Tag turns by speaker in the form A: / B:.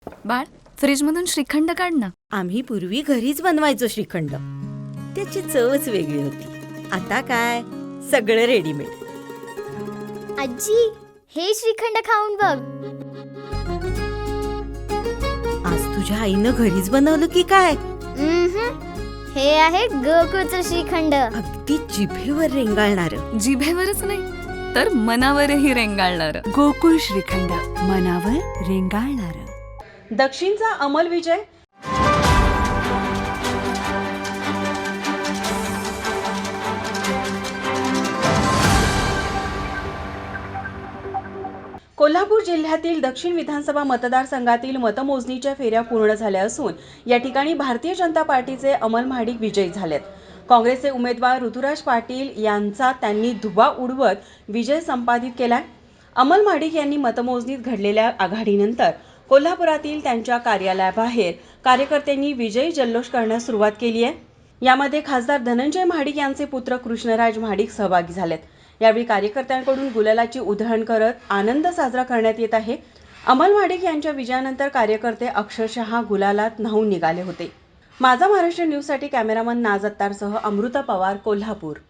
A: बाळ, फ्रीजमधून श्रीखंड काढ ना.
B: आम्ही पूर्वी घरीच बनवायचो श्रीखंड. त्याची चवच वेगळी होती. आता काय सगळं रेडीमेड.
C: आजी, हे श्रीखंड खाऊन बघ.
B: आज तुझ्या आईनं घरीच बनवलं की काय?
C: हे आहे गोकुळचं श्रीखंड.
B: अगदी जिभेवर रेंगाळणारं.
A: जिभेवरच नाही तर मनावरही रेंगाळणार.
D: गोकुळ श्रीखंड, मनावर रेंगाळणारं.
E: दक्षिणचा अमल विजय. कोल्हापूर जिल्ह्यातील दक्षिण विधानसभा मतदारसंघातील मतमोजणीच्या फेऱ्या पूर्ण झाल्या असून या ठिकाणी भारतीय जनता पार्टीचे अमल महाडिक विजयी झालेत. काँग्रेसचे उमेदवार ऋतुराज पाटील यांचा त्यांनी धुव्वा उडवत विजय संपादित केलाय. अमल महाडिक यांनी मतमोजणीत घडलेल्या आघाडीनंतर कोल्हापुरातील त्यांच्या कार्यालयाबाहेर कार्यकर्त्यांनी विजयी जल्लोष करण्यास सुरुवात केली आहे. यामध्ये खासदार धनंजय महाडिक यांचे पुत्र कृष्णराज महाडिक सहभागी झालेत. यावेळी कार्यकर्त्यांकडून गुलालाची उधळण करत आनंद साजरा करण्यात येत आहे. अमल महाडिक यांच्या विजयानंतर कार्यकर्ते अक्षरशः गुलालात न्हाऊन निघाले होते. माझा महाराष्ट्र न्यूजसाठी कॅमेरामन नाज अत्तारसह अमृता पवार, कोल्हापूर.